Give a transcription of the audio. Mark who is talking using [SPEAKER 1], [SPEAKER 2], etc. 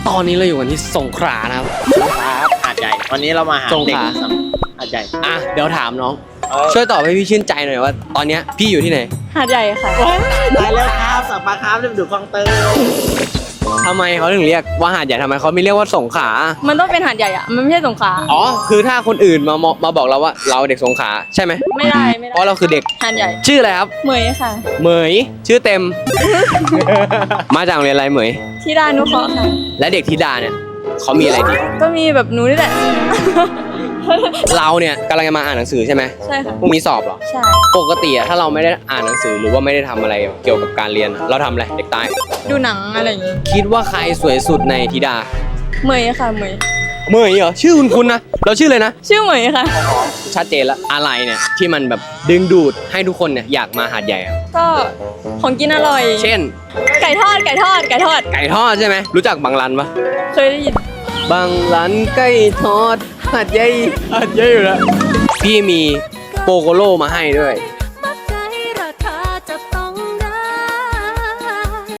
[SPEAKER 1] ตอนนี้เราอยู่กันที่สงขลานะครับ
[SPEAKER 2] ครับหาดใหญ่วันนี้เรามาหา
[SPEAKER 1] สงขลา
[SPEAKER 2] เด็กหาดใหญ่
[SPEAKER 1] อ่ะเดี๋ยวถามน้อง ช่วยตอบให้พี่ชื่นใจหน่อยว่า ตอนเนี้ยพี่อยู่ที่ไหน
[SPEAKER 3] หาดใหญ่ค่ะ
[SPEAKER 2] ตายแล้วครับสับปะครับเรียบดูคลองเตย
[SPEAKER 1] ทำไมเขาถึงเรียกว่าหาดใหญ่ทำไมเขาไม่เรียกว่าสงขลา
[SPEAKER 3] มันต้องเป็นหาดใหญ่อะมันไม่ใช่สงขลา
[SPEAKER 1] อ๋อคือถ้าคนอื่นมาบอกเราว่าเราเด็กสงขลาใช่ไหม
[SPEAKER 3] ไม่ได้
[SPEAKER 1] เพราะเราคือเด็ก
[SPEAKER 3] หาดใหญ่
[SPEAKER 1] ชื่ออะไรครับ
[SPEAKER 3] เหมยค่ะ
[SPEAKER 1] เหมยชื่อเต็ม มาจากโรงเรียนอะไรเหมย
[SPEAKER 3] ที่ด้านนุเคราะห์ค่ะ
[SPEAKER 1] และเด็กธิดาเนี่ยเขามีอะไรดี
[SPEAKER 3] ก็มีแบบหนูนี่แหละ
[SPEAKER 1] เราเนี่ยกำลังจะมาอ่านหนังสือใช่ไหม
[SPEAKER 3] ใช่ค่ะ
[SPEAKER 1] พรุ่งนี้สอบเหรอ
[SPEAKER 3] ใช่
[SPEAKER 1] ปกติอะถ้าเราไม่ได้อ่านหนังสือหรือว่าไม่ได้ทำอะไรเกี่ยวกับการเรียนอะเราทำอะไรเด็กใต้
[SPEAKER 3] ดูหนังอะไรอย่างงี้
[SPEAKER 1] คิดว่าใครสวยสุดในธิดา
[SPEAKER 3] เหมยค่ะเหมย
[SPEAKER 1] เหมยเหรอชื่อคุณนะเราชื่อเลยนะ
[SPEAKER 3] ชื่อเหมยค่ะ
[SPEAKER 1] ชัดเจนแล้วอะไรเนี่ยที่มันแบบดึงดูดให้ทุกคนเนี่ยอยากมาหาดใหญ่อะ
[SPEAKER 3] ก็ของกินอร่อย
[SPEAKER 1] เช่น
[SPEAKER 3] ไก่ทอด ไก่ทอด ไก่ทอด
[SPEAKER 1] ไก่ทอดใช่ไหมรู้จักบางรันปะ
[SPEAKER 3] เคยได้ยิน
[SPEAKER 1] บางรันไก่ทอดหาดใหญ่อยู่แล้วพี่มีโปโกโลมาให้ด้วย